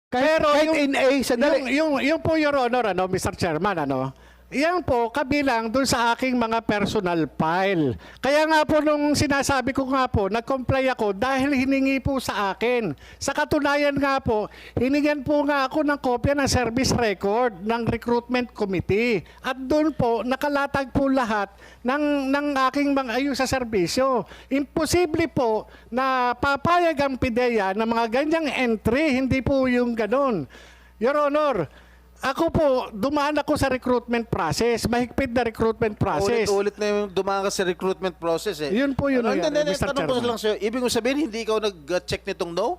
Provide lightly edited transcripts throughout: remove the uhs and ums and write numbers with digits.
Kahit yung, in A, sandali. yung po, Your Honor, Mr. Chairman, yan po, kabilang dun sa aking mga personal file. Kaya nga po nung sinasabi ko nga po, nag-comply ako dahil hiningi po sa akin. Sa katunayan nga po, hiningan po nga ako ng kopya ng service record ng recruitment committee. At doon po, nakalatag po lahat ng aking mga ayos sa serbisyo. Imposible po na papayag ang PIDEA ng mga ganyang entry, hindi po yung ganun. Your Honor, ako po, dumaan ako sa recruitment process. Mahigpit na recruitment process. Ulit-ulit na yung dumaan ka sa recruitment process eh. Yun po yun, Ano, Mr. tanong ko Chairman. lang sa'yo, ibig mo sabihin, hindi ikaw nag-check nitong no?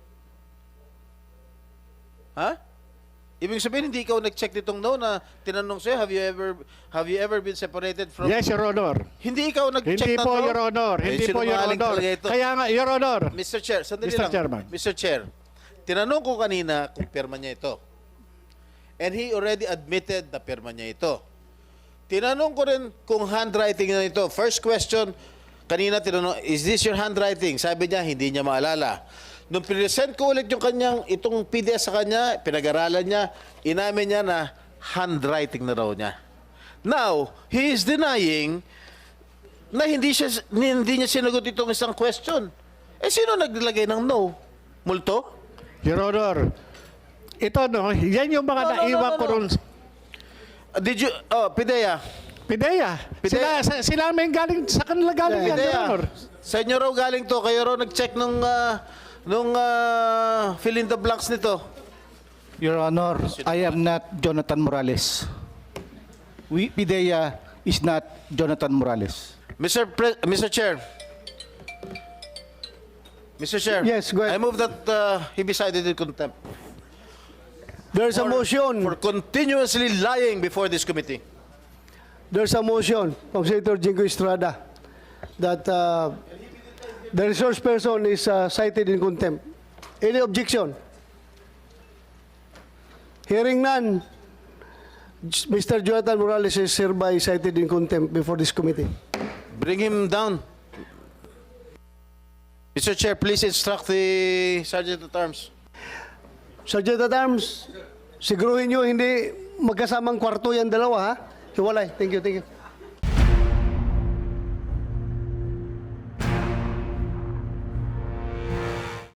Ha? Ibig sabihin, hindi ikaw nag-check nitong no na tinanong sa'yo, have you ever been separated from... Yes, Your Honor. Hindi ikaw nag-check Hindi na po, no? Your Honor. Hindi po, Your sinungaling Honor. talaga ito. Kaya nga, Your Honor. Mr. Chair, sandali Mr. lang. Chairman. Mr. Chair, tinanong ko kanina kung pirma niya ito. And he already admitted na pirma niya ito. Tinanong ko rin kung handwriting na ito. First question, kanina tinanong, is this your handwriting? Sabi niya, hindi niya maalala. Nung present ko ulit yung kanyang, itong PDF sa kanya, pinag-aralan niya, inamin niya na handwriting na raw niya. Now, he is denying na hindi niya sinagot itong isang question. Eh, sino naglagay ng no? Multo? Your Honor, ito yan yung mga naiwan ko ron. Did you, PIDEA. PIDEA. PIDEA. Sila may galing, sa kanila galing yan, Your PIDEA. Honor. Sa inyo raw galing to, kayo raw nag-check nung fill in the blanks nito. Your Honor, I am not Jonathan Morales. PIDEA is not Jonathan Morales. Mr. Chair. Mr. Chair. Yes, go ahead. I move that he be cited in contempt. There's a motion. For continuously lying before this committee. There's a motion from Senator Jingo Estrada that the resource person is cited in contempt. Any objection? Hearing none, Mr. Jonathan Morales is hereby cited in contempt before this committee. Bring him down. Mr. Chair, please instruct the Sergeant at Arms. Sergeant at Arms, siguruhin nyo hindi magkasamang kwarto yan dalawa, ha? Hiwalay. Thank you, thank you.